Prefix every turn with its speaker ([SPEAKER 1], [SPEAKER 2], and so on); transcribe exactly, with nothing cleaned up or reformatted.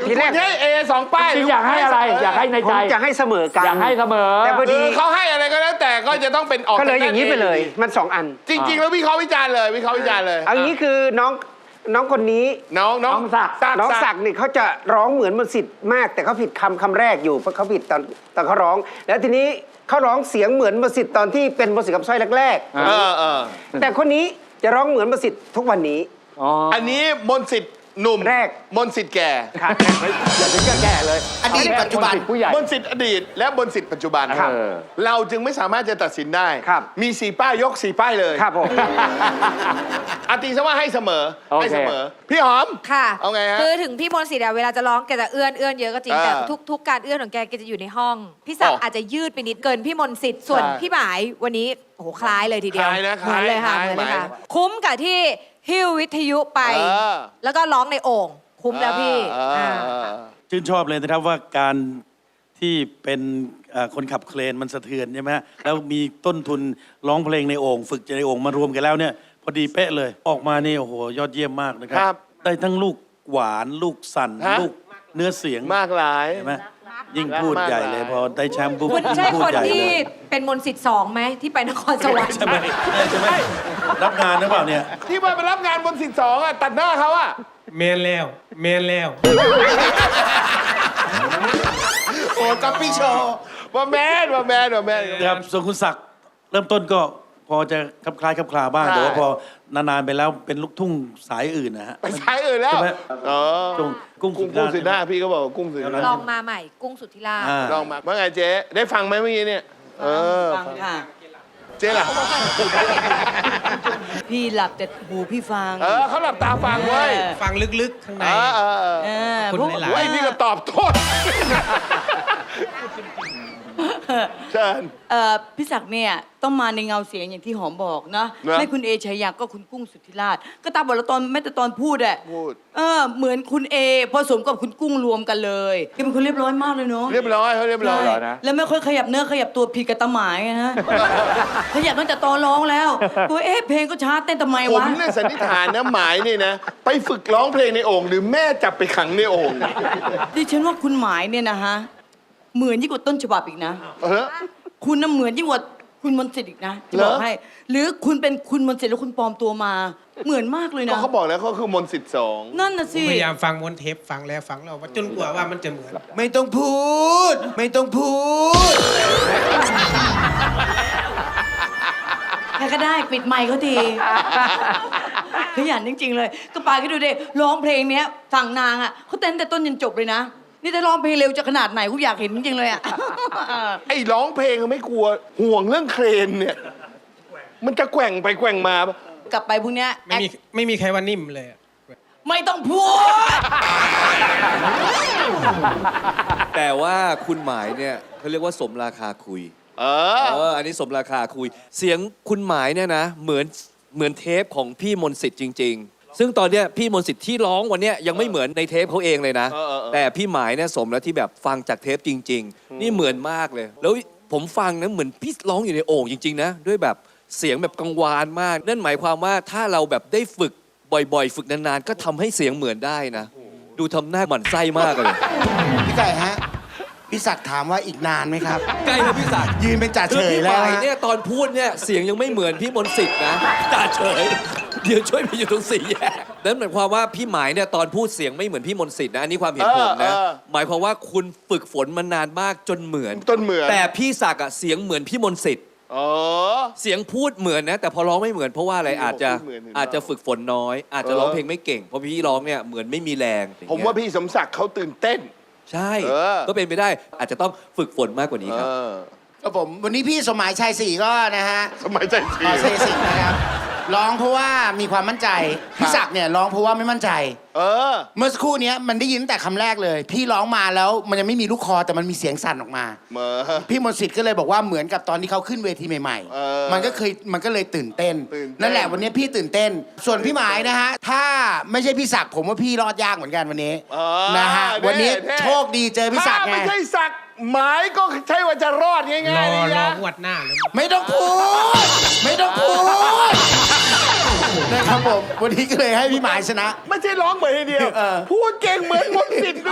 [SPEAKER 1] ทีแรก
[SPEAKER 2] ให้เอสองป้าย
[SPEAKER 3] จริงอยากให้อะไรอยากให้ใน
[SPEAKER 1] ผ
[SPEAKER 3] ใจ
[SPEAKER 1] มจะให้เสมอกัน
[SPEAKER 3] อยากให้เสมอ
[SPEAKER 1] แต่พอ
[SPEAKER 2] คื
[SPEAKER 1] ดี
[SPEAKER 2] อเขาให้อะไรก็แล้วแต่ก็จะต้องเป็นออก
[SPEAKER 1] ก็เลยอย่างนี้ไปเลย มันสองอัน
[SPEAKER 2] จริงๆแล้ววิเคราะห์วิจารณ์เลยวิเคราะห์วิจารณ์เลย
[SPEAKER 1] อันนี้คือน้องน้องคนนี้
[SPEAKER 2] น้องน้อง
[SPEAKER 3] น้องศักดิ์
[SPEAKER 1] น้องศักดิ์นี่เขาจะร้องเหมือนมนต์สิทธิ์มาก แต่เขาผิดคำคำแรกอยู่เพราะเขาผิดตอนตอนเขาร้อง แล้วทีนี้เขาร้องเสียงเหมือนมนต์สิทธิ์ตอนที่เป็นมนต์สิทธิ์กับสร้อยแรก
[SPEAKER 2] เออเออ
[SPEAKER 1] ๆแต่คนนี้จะร้องเหมือนมนต์สิทธิ์ทุกวันนี้
[SPEAKER 3] อ๋อ
[SPEAKER 2] อันนี้มนต์สิทธิ์หนุ่ม
[SPEAKER 1] แรก
[SPEAKER 2] มนต์สิทธิ์แก่
[SPEAKER 1] ครับ
[SPEAKER 3] อย่าถึงกับแก่เลย
[SPEAKER 4] อดีตปัจจุบัน
[SPEAKER 3] มสิทธิ์ผู้ใหญ่
[SPEAKER 2] มนต์สิทธิ์อดีตและมนต์สิทธิ์ปัจจุบัน
[SPEAKER 3] ครับ
[SPEAKER 2] เราจึงไม่สามารถจะตัดสินได้
[SPEAKER 1] ครับ
[SPEAKER 2] มีสี่ป้ายยกสี่ป้ายเลย
[SPEAKER 1] ครับผม
[SPEAKER 2] อาตีซะว่าให้เสมอ
[SPEAKER 3] โอเค
[SPEAKER 2] ให้เสมอพี่หอม
[SPEAKER 5] ค่ะ
[SPEAKER 2] เอาไงฮะ
[SPEAKER 5] คือถึงพี่มนต์สิทธิ์อะเวลาจะร้องแกจะเอื้อนเอื้อนเยอะก็จริง
[SPEAKER 2] อ่า
[SPEAKER 5] แต่ทุกทุกการเอื้อนของแกแกจะอยู่ในห้อง พี่ศัก
[SPEAKER 2] อ๋
[SPEAKER 5] ดิ์
[SPEAKER 2] อ
[SPEAKER 5] อาจจะยืดไปนิดเกินพี่มนต์สิทธิ์ส่วน
[SPEAKER 2] ใช่
[SPEAKER 5] พี่หมายวันนี้โอ้โหคล้ายเลยทีเดียว
[SPEAKER 2] คล้ายนะ
[SPEAKER 5] เหมือนเลยค่ะ
[SPEAKER 2] คล้าย
[SPEAKER 5] เหมือนเลยค่ะ
[SPEAKER 2] หมาย
[SPEAKER 5] คุ้มกับที่หิ้ววิทยุไป
[SPEAKER 2] เออ
[SPEAKER 5] แล้วก็ร้องในโอ่งคุ้มแล้วพี่
[SPEAKER 2] อ่า
[SPEAKER 5] อ่า
[SPEAKER 2] อ่า
[SPEAKER 6] ชื่นชอบเลยนะครับว่าการที่เป็นเอ่อคนขับเครนมันสะเทือนใช่ไหมฮะแล้วมีต้นทุนร้องเพลงในโอ่งฝึกในโอ่งมารวมกันแล้วเนี่ยพอดีเป๊ะเลยออกมานี่โอ้โหยอดเยี่ยมมากนะครั
[SPEAKER 2] ครับ
[SPEAKER 6] ได้ทั้งลูกหวานลูกสั่น
[SPEAKER 2] ฮะ
[SPEAKER 6] ลูกเนื้อเสียง
[SPEAKER 2] มากหลาย
[SPEAKER 6] ใช่ไหมยิ่งพูดใหญ่เลยพอได้แชมป์ปุ๊บ
[SPEAKER 5] คุณ
[SPEAKER 6] ยิ่
[SPEAKER 5] ใช่
[SPEAKER 6] งพูด
[SPEAKER 5] คน
[SPEAKER 6] ใหญ่เล
[SPEAKER 5] ที่
[SPEAKER 6] ย
[SPEAKER 5] เป็นมนต์สิทธิ์สองไหมที่ไปนครสวรรค์
[SPEAKER 6] ใช่ไหมใช่ไหมรับงานหรือเปล่าเนี่ย
[SPEAKER 2] ที่มาไปรับงานบนสิทธิ์สองอ่ะตัดหน้าเขาอ่ะ
[SPEAKER 7] แมนแล้วแมนแล้ว
[SPEAKER 2] โอ้กับพี่โชว์ว่าแมนว่าแมนว่าแมน
[SPEAKER 6] นะครับส่วนคุณศักดิ์เริ่มต้นก็พอจะคลับคล้ายคลับคลาบ้าง
[SPEAKER 2] ใช่
[SPEAKER 6] แต่ว่าพอนานๆไปแล้วเป็นลูกทุ่งสายอื่นนะฮะ
[SPEAKER 2] ไปสายอื่นแล้ว
[SPEAKER 6] ใช่ไหม
[SPEAKER 2] อ๋อ
[SPEAKER 6] ตรงกุ้ง
[SPEAKER 2] กุ้งกุ้งสุดหน้าพี่ก็บอกว่ากุ้งสุดหน้า
[SPEAKER 5] ลองมาใหม่กุ้งสุทธิราช
[SPEAKER 6] อ่า
[SPEAKER 2] ลองมาว่าไงเจ๊ได้ฟังไหมเมื่อกี้เนี่ยเออ
[SPEAKER 8] ฟังค่ะ
[SPEAKER 2] เจ๊ล่ะ
[SPEAKER 8] พี่หลับแต่หูพี่ฟัง
[SPEAKER 2] เออเขาหลับตาฟังเว้ย
[SPEAKER 7] ฟังลึกๆ ข้างใน
[SPEAKER 2] เออเออเออ
[SPEAKER 8] เออ
[SPEAKER 7] คุณ
[SPEAKER 8] พวก
[SPEAKER 7] หลายๆ
[SPEAKER 2] เว้ยนี่ก็ตอบโทษเชิญ
[SPEAKER 8] เอ่อพี่ศักดิ์เนี่ยต้องมาในเงาเสียงอย่างที่หอมบอกนะ
[SPEAKER 2] นะ
[SPEAKER 8] ไม่คุณเอชัยยาก็คุณกุ้งสุทธิราช ก็ตามบทละตอนแม้แต่ตอนพูดอะ
[SPEAKER 2] พูด
[SPEAKER 8] เออเหมือนคุณเอผสมกับคุณกุ้งรวมกันเลยแกเป็นคนเรียบร้อยมากเลยเนาะ
[SPEAKER 2] เรียบร้อยเขาเรียบร้อย
[SPEAKER 8] ใช่แล้วไม่ค่อยขยับเนื้อขยับตัวผิดกับตาหมายนะ ขยับตั้งแต่ตอนร้องแล้วตัวเอ๊ะเพลงก็ช้าเต้นทำไม
[SPEAKER 2] ผม
[SPEAKER 8] วะ
[SPEAKER 2] เนี่ยสันนิษฐานนะหมายเนี่ยนะ ไปฝึกร้องเพลงในโอ่งหรือแม่จับไปขังในโอ่ง
[SPEAKER 8] ดิฉันว่าคุณหมายเนี่ยนะฮะเหมือนยิ่งกว่าต้นฉบับอีกนะ
[SPEAKER 2] เออ
[SPEAKER 8] คุณน่ะเหมือนยิ่งกว่าคุณมนต์สิทธิ์อีกนะจะบอก
[SPEAKER 2] เหรอ
[SPEAKER 8] ให้ หรือคุณเป็นคุณมนต์สิทธิ์แล้วคุณปลอมตัวมา เหมือนมากเลย
[SPEAKER 2] ก็
[SPEAKER 8] นะ
[SPEAKER 2] เขาบอกแล้วเขาคือมนต์สิทธิ์สอง
[SPEAKER 8] นั่นน่ะ
[SPEAKER 7] ผ
[SPEAKER 8] สิ
[SPEAKER 7] มพยายามฟังวนเทปฟังแล้วฟังเราว่าจนกว่าว่ามันจะเหมือน
[SPEAKER 4] ไม่ต้องพูด ไม่ต้องพูด
[SPEAKER 8] ใครก็ได้ปิดไมค์เขาทีขยันจริง ๆ เลย ก็ปาก็ดูดิร้องเพลงเนี้ยฝั่งนางอ่ะเขาเต้นแต่ต้นยันจบเลยนะ นี่จะร้องเพลงเร็วจะขนาดไหนกูอยากเห็นจริงๆเลยอ่ะ
[SPEAKER 2] ไอ้ร้องเพลงไม่กลัวห่วงเรื่องเครนเนี่ย มันจะแกว่งไปแกว่งมาปะ
[SPEAKER 8] กลับไปพวกเนี้ย
[SPEAKER 7] ไม่มีไม่มีใครว่านิ่มเลยอะ
[SPEAKER 8] ไม่ต้องพูด
[SPEAKER 9] แต่ว่าคุณหมายเนี่ยเขาเรียกว่าสมราคาคุย
[SPEAKER 2] เอ
[SPEAKER 9] เอ
[SPEAKER 2] อ
[SPEAKER 9] ออันนี้สมราคาคุย เสียงคุณหมายเนี่ยนะเหมือนเหมือนเทปของพี่มนต์สิทธิ์จริง ๆ ซึ่งตอนเนี้ยพี่มนต์สิทธิ์ที่ร้องวันเนี้ยยังไม่เหมือนในเทปเขาเองเลยนะ
[SPEAKER 2] เออเออเออ
[SPEAKER 9] แต่พี่หมายเนี่ยสมแล้วที่แบบฟังจากเทปจริง ๆ นี่เหมือนมากเลย แล้วผมฟังนะเหมือนพี่ร้องอยู่ในโอ่งจริงๆนะด้วยแบบเสียงแบบกังวานมาก นั่นหมายความว่าถ้าเราแบบได้ฝึกบ่อยๆ ฝึกนานๆก็ทำให้เสียงเหมือนได้นะ ดูทำหน้าหมั่นไส้มากเลย
[SPEAKER 4] พี่ไก่ฮะ พี่ศักดิ์ถามว่าอีกนานไหมครับ
[SPEAKER 9] ใกล้แล้วพี่ศักดิ์
[SPEAKER 4] ยืนเป็นจ่า
[SPEAKER 9] คื
[SPEAKER 4] เฉ
[SPEAKER 9] อย พี่ห
[SPEAKER 4] แล้ว
[SPEAKER 9] มาย
[SPEAKER 4] ฮะ
[SPEAKER 9] เนี่ยตอนพูดเนี่ยเสียงยังไม่เหมือนพี่มนต์สิทธิ์นะจ่าเฉย เดี๋ยวช่วยไปอยู่ตรงสี่แยกนั่นหมายความว่าพี่หมายเนี่ยตอนพูดเสียงไม่เหมือนพี่มนต์สิทธิ์นะอันนี้ความเห็นผมนะ
[SPEAKER 2] เออเออ
[SPEAKER 9] หมายความว่าคุณฝึกฝนมานานมากจนเหมือน
[SPEAKER 2] จนเหมือน
[SPEAKER 9] แต่พี่ศักดิ์อะเสียงเหมือนพี่มนต์สิทธิ์
[SPEAKER 2] อ๋อ
[SPEAKER 9] เสียงพูดเหมือนนะ แต่พอร้องไม่เหมือนเพราะว่าอะไร
[SPEAKER 2] พี่บอก
[SPEAKER 9] อาจจะ
[SPEAKER 2] พูดเหมือนเห็น
[SPEAKER 9] อาจจะฝึกฝนน้อย อาจจะร้องเพลงไม่เก่งเพราะพี่ร้องเนี่ยเหมือนไม่มีแรง
[SPEAKER 2] ผมว่าพี่สมศักดิ์เขาตื่นเต้น
[SPEAKER 9] ใช่
[SPEAKER 2] เออ
[SPEAKER 9] ก็เป็นไปได้อาจจะต้องฝึกฝนมากกว่านี้
[SPEAKER 2] เอ
[SPEAKER 9] ครับ
[SPEAKER 2] อ
[SPEAKER 4] ครับผมวันนี้พี่สมหมายชัยศรีก็นะฮะ
[SPEAKER 2] สมัยใจ
[SPEAKER 4] ข
[SPEAKER 2] สี
[SPEAKER 4] อเซสิงนะครับ ร้องเพราะว่ามีความมั่นใจ พี่ศักดิ์เนี่ยร้องเพราะว่าไม่มั่นใจ
[SPEAKER 2] เออ
[SPEAKER 4] เมื่อสักครู่เนี้ยมันได้ยินตั้งแต่คำแรกเลย พี่ร้องมาแล้วมันยังไม่มีลูกคอแต่มันมีเสียงสั่นออกมา
[SPEAKER 2] เหมือ
[SPEAKER 4] พี่มนต์สิทธิ์ก็เลยบอกว่าเหมือนกับตอนที่เขาขึ้นเวทีใหม่
[SPEAKER 2] เออ
[SPEAKER 4] ๆ มันก็เคยมันก็เลยตื่นเต้น
[SPEAKER 2] ตื่นเต้น
[SPEAKER 4] นั่นแหละวันนี้พี่ตื่นเต้น ส่วนพี่หมายนะฮะ ถ้าไม่ใช่พี่ศักดิ์ผมว่าพี่รอดยากเหมือนกันวันนี้
[SPEAKER 2] เออ
[SPEAKER 4] นะฮะ วันนี้
[SPEAKER 2] แๆ
[SPEAKER 4] โชคดีเจอพี่ศักดิ์
[SPEAKER 2] ถ้า
[SPEAKER 4] ไง
[SPEAKER 2] ไม่ใช่ศักดิ์หมายก็ใช่ว่าจะรอดง่าย
[SPEAKER 7] ร
[SPEAKER 2] ๆ
[SPEAKER 7] อ
[SPEAKER 2] เลย
[SPEAKER 7] รอ
[SPEAKER 2] นะ
[SPEAKER 7] งวดหน้าแล้ว
[SPEAKER 4] ไม่ต้องพูด ไม่ต้องพูดนะครับผม วันนี้ก็เลยให้พี่หมายชนะ
[SPEAKER 2] ไม่ใช่ร้องเหมือนทีเดียว
[SPEAKER 4] เออ
[SPEAKER 2] พูดเก่งเหมือนมนต์สิทธิ์